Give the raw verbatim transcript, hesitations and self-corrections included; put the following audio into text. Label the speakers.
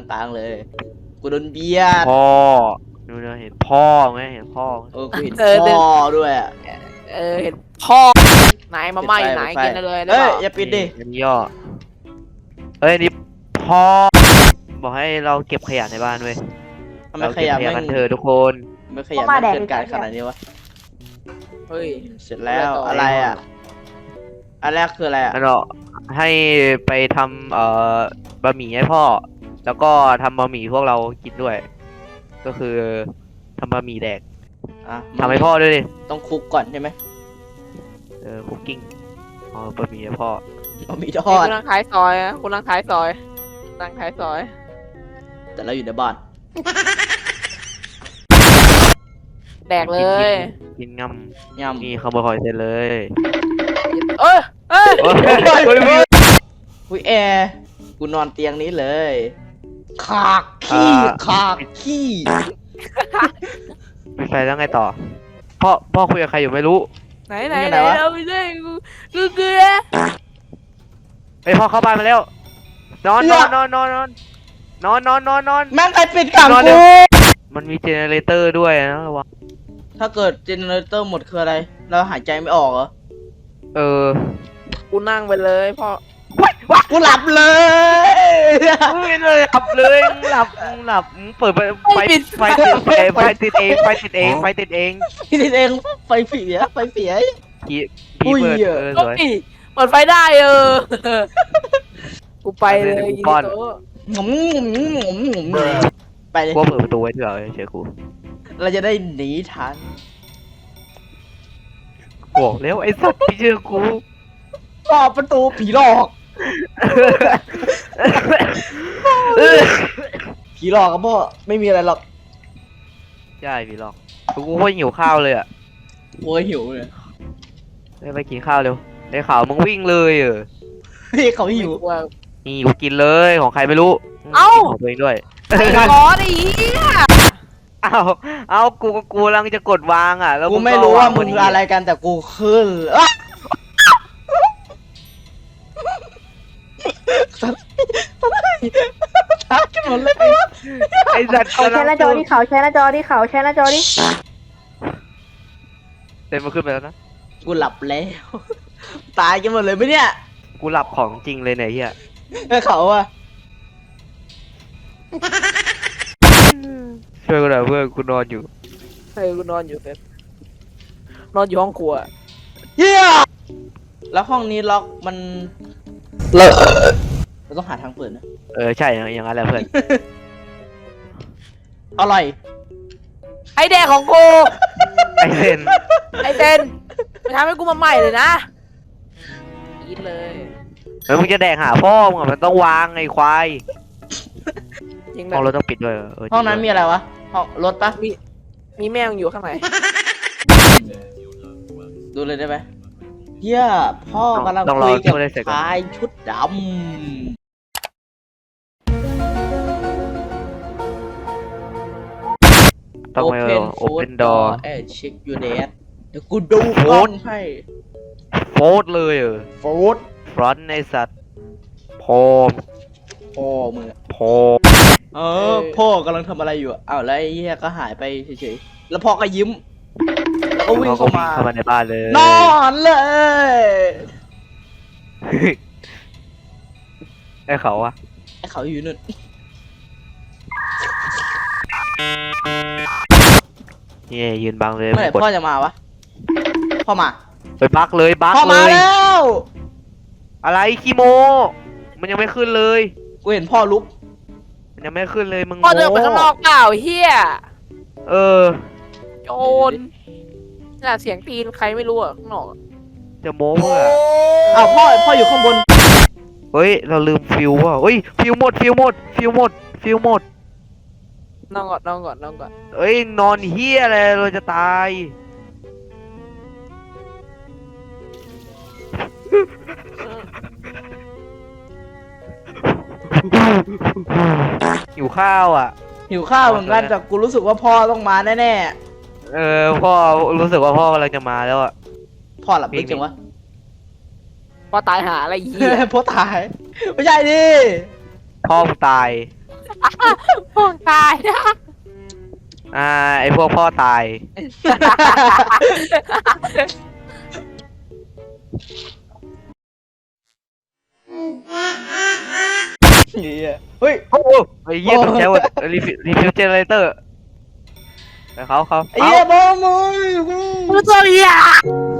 Speaker 1: งกลางเลยกูโดนเบียด
Speaker 2: พ่อดูนะเห็นพ่อไหมเห็นพ่อ
Speaker 1: เออกูเห็นพ่อด้วยอ่ะ
Speaker 3: เออเห็นพ่อนายมาไหม้ไหนกินเลย
Speaker 1: เฮ้ยอย่าปิดดิ
Speaker 2: อันนี้ย่อเฮ้ยนี่พ่อบอกให้เราเก็บขยะในบ้านเว้ย
Speaker 1: ทำไมขยะไม่
Speaker 2: กันเถอะทุกคน
Speaker 1: ไม่ขยะไม่เกินการขนาดนี้วะ
Speaker 3: เฮ้ย
Speaker 1: เสร็จแล้วอะไรอ่ะอันแรกคืออะไรอ่ะ
Speaker 2: เราให้ไปทำเอ่อบะหมี่ให้พ่อแล้วก็ทำบะหมี่พวกเรากินด้วยก็คือทำบะหมี่แดกทำให้พ่อด้วยดิ
Speaker 1: ต้องคุกก่อนใช่ไหม
Speaker 2: เออคุกกิ้งอ๋อบะหมี่ให้พ่
Speaker 1: อบะหมี่ทอด
Speaker 3: คุณนั่งขายซอยอะคุณนั่งขายซอยนั่งขายซอย
Speaker 1: แต่เราอยู่ในบ้าน
Speaker 3: แดกเลย
Speaker 2: กินงำ
Speaker 1: งำ
Speaker 2: มีขโมยหอยเสร็จเลย
Speaker 3: เอ้ยเอ้ย
Speaker 1: อุ้ยแอร์กูนอนเตียงนี้เลยขากขี้ขากขี้
Speaker 2: ไม่ไปแล้วไงต่อพ่อพ่อคุยกับใครอยู่ไม่รู้
Speaker 3: ไหนไหนไหนเราไม่ได้กูกูเกลือ
Speaker 2: ไอพ่อเข้าบ้านมาแล้วนอนนอนนอนนอนนอนนอนนอนนอนนอน
Speaker 1: แม่งใครปิดขังกู
Speaker 2: มันมีเจเนเรเตอร์ด้วยนะระวัง
Speaker 1: ถ้าเกิดเจเนเรเตอร์หมดคืออะไรเราหายใจไม่ออกเหรอ
Speaker 2: เออ
Speaker 3: กูนั่งไปเลยพ่อ
Speaker 1: ว้ากูหลับเลย
Speaker 2: ไม่เลยหลับเลยหลับหลับเปิดไฟไฟติดไฟติดเองไฟติดเองไฟติดเอง
Speaker 1: ติดเองไฟเสียไฟเสีย
Speaker 2: พี่พี่เปิดเออสวย
Speaker 3: เปิดไฟได้เออกูไปเลย
Speaker 2: ก้อน
Speaker 1: งมงมงมงมไปเลย
Speaker 2: กูเปิดประตูไว้เถอะเชื่อกู
Speaker 1: เราจะได้หนีทัน
Speaker 2: บอกแล้วไอ้สัตว์พี่เชื่อกู
Speaker 1: รอบประตูผีหลอกผีหลอกครับพ่อไม่มีอะไรหรอก
Speaker 2: ใช่ผีหลอกกูก็หิวข้าวเลยอ่ะ
Speaker 1: โอ้ยหิวเลย
Speaker 2: ไปกินข้าวเร็วไอ้ข่าวมึงวิ่งเลยเออ
Speaker 1: เฮ้ยเขาหิว
Speaker 2: นี่กูกินเลยของใครไม่รู้
Speaker 3: เอ้า
Speaker 2: ของตัวเองด้วย
Speaker 3: ขอดิ
Speaker 2: เอาเอากูกูกำลังจะกดวางอ่ะแล้ว
Speaker 1: กูไม่รู้ว่ามึงอะไรกันแต่กูขึ้นช้ากันหมดเลย
Speaker 2: ไอ้สัตว์
Speaker 4: เขาแช่หน้าจอที่เขาแช่หน้าจอที่เขาแช่หน้าจอที่
Speaker 2: เต็มมาขึ้นไปแล้วนะ
Speaker 1: กูหลับแล้วตายกันหมดเลยไหมเนี่ย
Speaker 2: กูหลับของจริงเลยเนี่ยเฮีย
Speaker 1: ไอ้เขาอะ
Speaker 2: ช่วยกูหน่อยเพื่อนกูนอนอยู่
Speaker 3: ใช่กูนอนอยู่เต็มนอนอยู่ห้องครัว
Speaker 1: เฮียแล้วห้องนี้ล็อกมันเลอะเราต้องหาทางเปิดนะ
Speaker 2: เออใช่อย่างนั้นแหละเพื่อน
Speaker 1: อร่อย
Speaker 3: ไอแดกของกู
Speaker 2: ไอเซน
Speaker 3: ไอเซนมันทำให้กูมาใหม่เลยนะกินเลย
Speaker 2: เฮ้ยมึงจะแดกหาพ่อมึงมันต้องวางไอ้ควายห้องรถต้องปิดด้วย
Speaker 1: ห้องนั้นมีอะไรวะห้องรถปะ
Speaker 3: มีมีแมวอยู่ข้างใน
Speaker 1: ดูเลยได้ไหมเฮียพ่อกำลังคุยกับชายชุดดำ
Speaker 2: ต้องไปโอเพนดอร์
Speaker 1: เอ้เช็คยูเดสเดี๋ยวกูดูโฟนให้
Speaker 2: โฟดเลยเออ
Speaker 1: โฟด
Speaker 2: ฟรอนต์ในสัตว์พอม
Speaker 1: พ่อมึง
Speaker 2: พอ
Speaker 1: เออพ่อกำลังทำอะไรอยู่อ้าวแล้วไอ้เหี้ยก็หายไปเฉยๆแล้วพ่อก็ยิ้มแล้วก็วิ่งเข้ามา
Speaker 2: เข้ามาในบ้านเลย
Speaker 1: นอนเลย
Speaker 2: ไอ้เขาอะ
Speaker 1: ไอ้เขาอยู่นู่น
Speaker 2: นี่ยืนบังเลย
Speaker 1: เมื่อไหร่พ่อจะมาวะพ่อมา
Speaker 2: ไปบักเลยบักเลย
Speaker 1: พ่อมาแล้ว
Speaker 2: อะไรขี้โมมันยังไม่ขึ้นเลย
Speaker 1: กูเห็นพ่อลุก
Speaker 2: มันยังไม่ขึ้นเลยมึง
Speaker 3: พ่อเดินไปข้างนอกเปล่าเฮีย
Speaker 2: เออ
Speaker 3: โจรน่ะเสียงตีนใครไม่รู้อะข้างนอก
Speaker 2: จะโม้เพื่อ
Speaker 1: อ้าวพ่อพ่ออยู่ข้างบน
Speaker 2: เฮ้ยเราลืมฟิวว่ะเฮ้ยฟิวหมดฟิวหมดฟิวหมดฟิวหมด
Speaker 3: นอนก่อนนอนก่อนนอนก่อน
Speaker 2: เอ้ยนอนเฮียอะไรเราจะตายหิวข้าวอ่ะ
Speaker 1: หิวข้าวเหมือนกันแต่กูรู้สึกว่าพ่อต้องมาแน่
Speaker 2: ๆเออพ่อรู้สึกว่าพ่อกำลังจะมาแล้วอ่ะ
Speaker 1: พ่อหลับลึกจังวะ
Speaker 3: พ่อตายหาอะไรยี่
Speaker 1: พ่อตายไม่ใช่ดิ
Speaker 2: พ่อตาย
Speaker 3: พวกตายนะ
Speaker 2: อ่าไอพวกพ่อตาย
Speaker 1: เหี้ยเฮ้ย
Speaker 2: โอ้โหไอ้เหี้ยตกใจหมดรีฟิรีฟิวเจเนเรเตอร์เขาเขา
Speaker 1: ไอ้เหี้ยบอมมึง
Speaker 3: กูตัวเหี้ย